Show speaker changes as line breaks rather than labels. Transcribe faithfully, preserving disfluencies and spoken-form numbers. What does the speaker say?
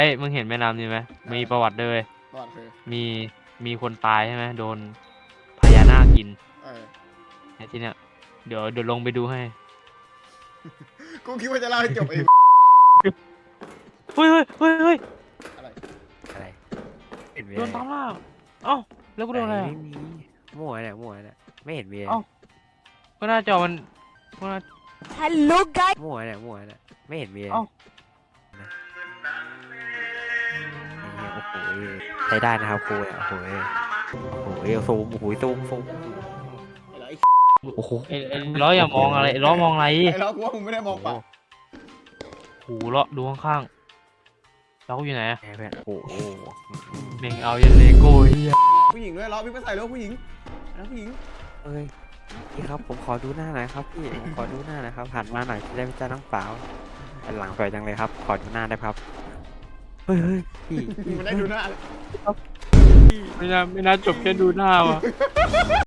เอ้ยมึงเห็นแม่น้ำนี่ไหมมีประวัติด้วย
ประวัติคือ
มีมีคนตายใช่ไหมโดนพญานาคกิน
เออ
ไอ้ที่เนี้ยเดี๋ยวเดี๋ยวลงไปดูให้
กูคิดว่าจะเล่าให้จบเอง
เฮ้ยเฮ้ยเฮ้ยเฮ้ย
อะไร
อะไรเห็นมี
โด
อะไร
นตามล่าเอ้าแล้วกูโดนอะไร
ไม่
อะ
มีมั่วเนี่ยมั่วเนี่ยไม่เห็นมีอะไร
เอ้า ก็หน้าจอมันก็หน้า
Hello guys
มั่วเนี่ยมั่วเนี่ยไม่เห็นมีอะไร
เอ้า
นี่โอ้โหใช้ได้นะครับครูเนี่ยโอ้โหโอ้โหซูมโอ้โหซูมซูม
ไอ้ล้อไอ้
โอ้โห
ไอ้ไอ้ล้ออย่ามองอะไรไอ้ล้อมองอะไร
ไอ้ล้อกูว่ามึงไม่ได้มองเปล่า
หูล้อดูข้างๆล้อกูอยู่ไหนอะ
แม่แบบโอ้โห
เมงเอายันเลโก้เฮีย
ผู้หญิงด้วยล้อพี่ไปใส่ล้อผู้หญิงล้อผู้หญิง
เอ้ยพี่ครับผมขอดูหน้าหน่อยครับพี่ผมขอดูหน้าหน่อยครับหันมาหน่อยจะได้ไม่เจ้าน้องเปล่าอันหลังสวยจังเลยครับ ขอดูหน้าได้ครับเฮ้ยเฮ้ยพี่
มันได้ดูหน้าเลย
ไม่น่าไม่น่าจบแค่ดูหน้าว่ะ